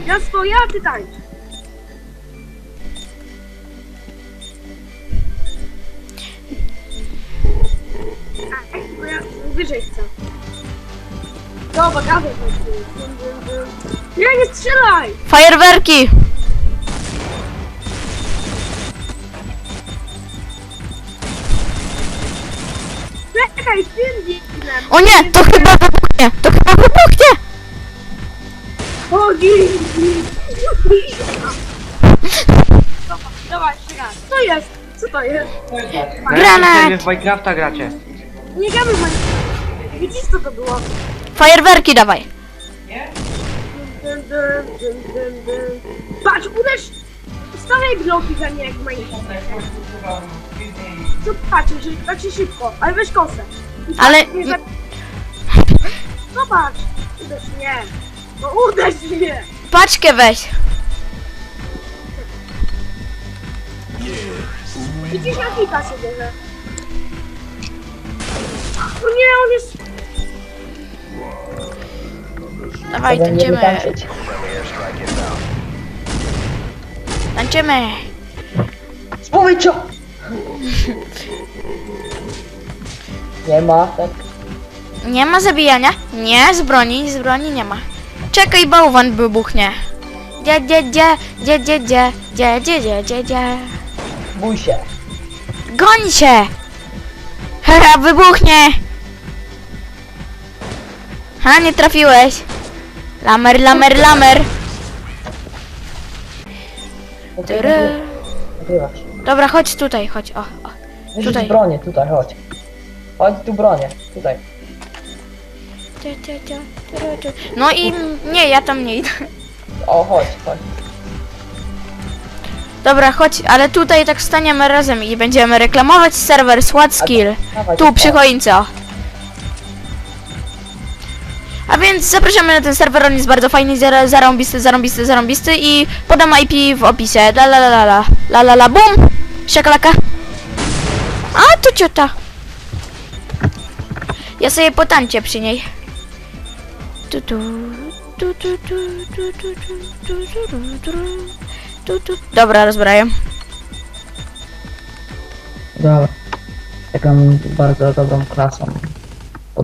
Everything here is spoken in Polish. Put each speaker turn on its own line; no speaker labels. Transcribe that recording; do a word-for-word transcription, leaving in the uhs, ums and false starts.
Ja stoję, a ty tańcz. Ej, bo ja wyżej chcę. Dobra, gadaj. Nie, nie strzelaj!
Fajerwerki!
Czekaj, tym biegnę.
O nie, to chyba wybuchnie! To chyba wybuchnie!
O, gin! Dobra, dawaj, jeszcze raz. Co jest? Co to jest?
Granat!
Wy w Minecrafta gracie.
Nie gramy w Minecraft. Widzisz co to było?
Fajerwerki dawaj!
Dun, dun, dun, dun, dun. Patrz, uderz! Stawiaj bloki za nie jak w Minecraft. Co patrzysz, że tak się szybko, ale weź kosę. I
Ale-
patrz, nie za... Zobacz! Uderz mnie! No uderz mnie!
Paczkę weź!
Widzisz na hita się bierze. No nie, on jest...
Dawaj,
Będziemy
tańczymy!
tańczyć.
Tańczymy!
Spójrz! Nie ma, tak?
Nie ma zabijania? Nie, z broni, z broni nie ma. Czekaj, bałwan wybuchnie. Dzie, dzie, dzie, dzie, dzie, dzie, dzie, dzie, dzie, dzie, dzie.
Bój się.
Goń się! Haha, wybuchnie! Ha, nie trafiłeś. Lamer, lamer, lamer. Tyry.
Nagrywasz.
Dobra, chodź tutaj, chodź, o, o.
Wyrzuć
Tutaj.
bronię, tutaj, chodź. Chodź tu bronię, tutaj.
Ty, ty, ty, ty, ty. No i nie, ja tam nie idę.
O, chodź, chodź.
Dobra, chodź, ale tutaj tak staniemy razem i będziemy reklamować serwer SWAT Skill.
Dawaj,
Tu, przy
o.
choince, o. A więc zapraszamy na ten serwer, on jest bardzo fajny, zar- zarąbisty, zarąbisty, zarąbisty i podam I P w opisie. La la la la la, la la la, bum! Szaklaka. A, tu ciota. Ja sobie potańczę przy niej. Tu tu, tu tu tu tu tu tu tu tu tu tu. Dobra, rozbrajam.
Dobra. Taką bardzo dobrą klasą.